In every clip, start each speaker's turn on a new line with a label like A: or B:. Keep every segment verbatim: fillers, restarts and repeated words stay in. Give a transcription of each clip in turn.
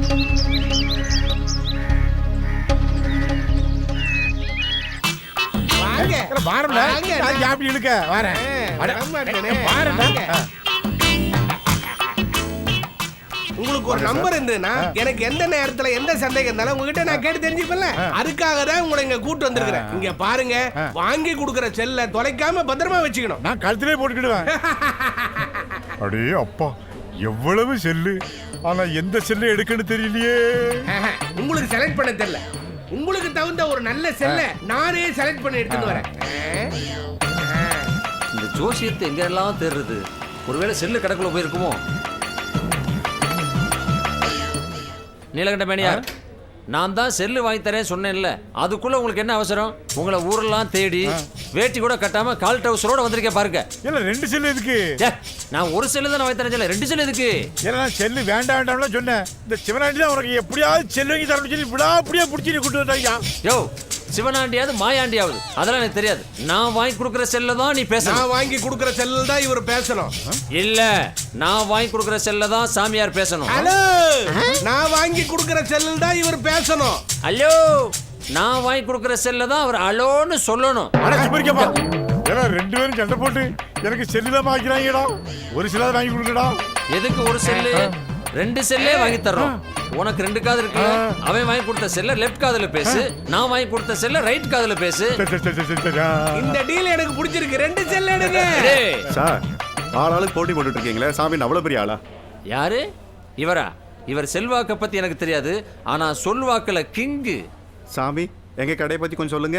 A: உங்களுக்கு ஒரு நம்பர் இருந்ததுன்னா எனக்கு எந்த நேரத்துல எந்த சந்தேகம் இருந்தாலும் உங்ககிட்ட நான் கேட்டு தெரிஞ்சுப்பேன்ல. அதுக்காக தான் உங்களை இங்க கூட்டு வந்திருக்கிறேன். இங்க பாருங்க, வாங்கி கொடுக்கிற செல்ல தொலைக்காம பத்திரமா வச்சுக்கணும்.
B: நான் கழுத்திலே போட்டுக்கிடுவேன். அடே அப்பா, எவ்வளவு செல்லு, ஆனா எந்த செல்ல எடுக்கன்னு தெரியலையே.
A: உங்களுக்கு செலக்ட் பண்ண தெரியல, உங்களுக்கு தகுந்த ஒரு நல்ல செல்ல நானே செலக்ட் பண்ணி எடுத்துட்டு வரேன்.
C: இந்த ஜோசியத்தை எங்க எல்லாம் தேடுறது? ஒருவேளை செல்லு கடைக்குள்ள போயிருக்குமோ? நீலகண்ட மேனியார், நான் தான் செல்லு வாங்கி தரேன் சொன்னேன்ல, அதுக்குள்ள உங்களுக்கு என்ன அவசரம்? உங்களை ஊரெல்லாம் தேடி வேட்டி கூட கட்டாம கால் டவுசரோட வந்திருக்கேன் பாருங்க.
B: இல்ல ரெண்டு செல்லு எதுக்கு?
C: நான் ஒரு செல்லு தான் வாங்கி தரேன், ரெண்டு செல்லு எதுக்கு?
B: ஏன்னா செல்லு வேண்டாம் வேண்டாம்னு சொன்னேன். இந்த சிவனாண்டி தான் உனக்கு எப்படியாவது செல்லு வாங்கி தரணும் சொல்லி இப்படா அப்படியே பிடிச்சி கூட்டு வந்தாங்க.
C: யோ, சிவனாண்டியாவது மாயாண்டியாவது அதெல்லாம் எனக்கு தெரியாது. நான் வாங்கி கொடுக்குற செல்ல தான் நீ பேசணும்.
A: நான் வாங்கி கொடுக்குற செல்ல தான் இவர் பேசணும்.
C: இல்ல, நான் வாங்கி கொடுக்குற செல்ல தான் சாமியார் பேசணும்.
A: ஹலோ, நான் வாங்கி கொடுக்குற செல்ல தான் இவர் பேசணும்.
C: ஹலோ, நான் வாங்கி கொடுக்குற செல்ல தான் அவர் அலோன்னு சொல்லணும்.
B: ஏன்னா ரெண்டு பேரும் சண்டை போட்டு எனக்கு செல்லு தான் வாங்கிக்கிறாங்கடா. ஒரு செல்லாத வாங்கி கொடுக்கடா.
C: எதுக்கு ஒரு செல்லு? ரெண்டு செல்லே வாங்கி தர்றோம். உனக்கு ரெண்டு காது இருக்கு. அவன் வாங்கி கொடுத்த செல்ல லெஃப்ட் காதுல பேசு, நான் வாங்கி கொடுத்த செல்ல ரைட் காதுல பேசு.
A: இந்த டீல் எனக்கு பிடிச்சிருக்கு. ரெண்டு செல்ல எடுங்க.
D: சார், ஆளாளுக்கு போட்டி போட்டுட்டு இருக்கீங்களே, சாமி அவ்வளவு பெரிய ஆளா?
C: யாரு இவரா? இவர் செல்வாக்க பத்தி எனக்கு தெரியாது, ஆனா சொல்வாக்குல கிங்கு.
D: சாமி, எங்க கடையை பத்தி கொஞ்சம் சொல்லுங்க.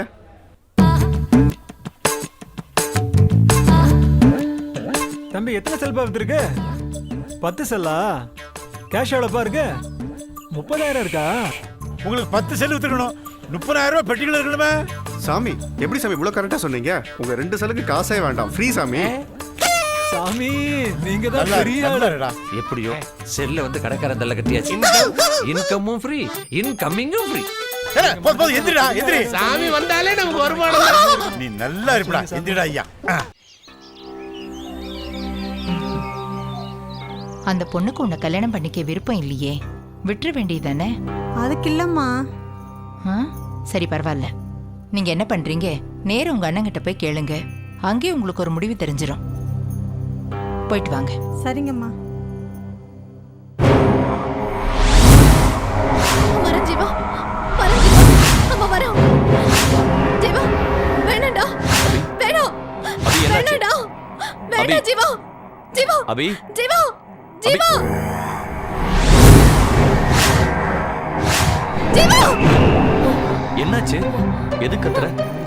E: தம்பி, எத்தனை செல்பா இருக்கு? பத்து செல்லா? கேஷ் எவ்வளோப்பா இருக்கு? முப்பதாயிரம் இருக்கா?
B: உங்களுக்கு பத்து செல்லு வித்துக்கணும், முப்பதாயிரம் ரூபாய் பெட்டிகள் இருக்கணுமே.
D: சாமி, எப்படி சாமி இவ்வளவு கரெக்டா சொன்னீங்க? உங்க ரெண்டு செல்லுக்கு காசே வேண்டாம், ஃப்ரீ சாமி.
E: சாமி, நீங்க தான் பெரிய ஆளுடா.
C: எப்படியோ செல்ல வந்து கடைக்காரன் தள்ள கட்டியாச்சு. இன்கமும் ஃப்ரீ, இன்கமிங்கும் ஃப்ரீ.
B: போதும், எந்திரிடா, எந்திரி.
A: சாமி வந்தாலே நமக்கு வருமானம்.
B: நீ நல்லா இருப்படா, எந்திரிடா ஐயா.
F: அந்த பொண்ணுக்கு உன்னை கல்யாணம் பண்ணிக்க விருப்பம் இல்லையே, விட்டுற வேண்டியதானே?
G: அதுக்கு இல்லம்மா.
F: சரி, பரவாயில்ல. நீங்க என்ன பண்றீங்க, நேரம் உங்க அண்ணன் கிட்ட போய் கேளுங்க. அங்கே உங்களுக்கு ஒரு முடிவு தெரிஞ்சிடும். போயிட்டு வாங்க.
G: சரிங்கம்மா.
C: அபி,
G: ஜீவா,
C: என்னாச்சு? எது கத்துற?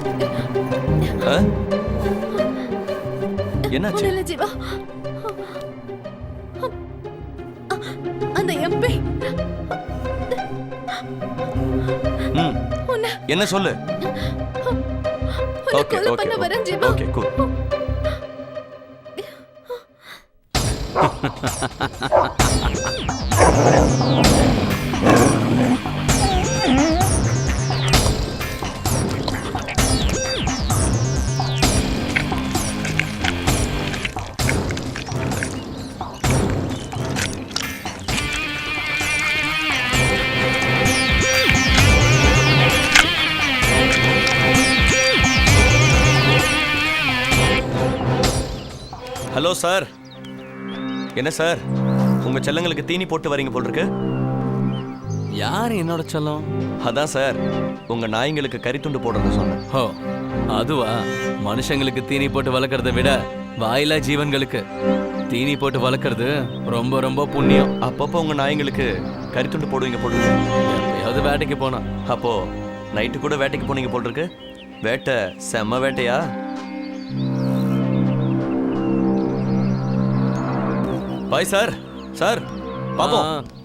C: என்னாச்சு?
G: இல்ல ஜீவா, அந்த எம்பி
C: என்ன சொல்லு?
G: Okay okay okay cool.
H: Hello sir. என்ன சார், உங்க செல்லங்களுக்கு தீனி போட்டு வரீங்க போல் இருக்கு.
I: யார் என்னோட செல்லம்?
H: அதான் சார், உங்க நாய்ங்களுக்கு கறித்துண்டு போடுறது சொன்னேன்.
I: ஓ, அதுவா? மனுஷங்களுக்கு தீனி போட்டு வளர்க்கறத விட வாயிலா ஜீவன்களுக்கு தீனி போட்டு வளர்க்கறது ரொம்ப ரொம்ப புண்ணியம்.
H: அப்பப்போ உங்க நாய்ங்களுக்கு கறித்துண்டு போடுவீங்க போல் இருக்கு.
I: எப்பயாவது வேட்டைக்கு போனா.
H: அப்போ நைட்டு கூட வேட்டைக்கு போனீங்க போல் இருக்கு. வேட்டை செம்ம வேட்டையா? Bye sir. சார் பாப்போம்.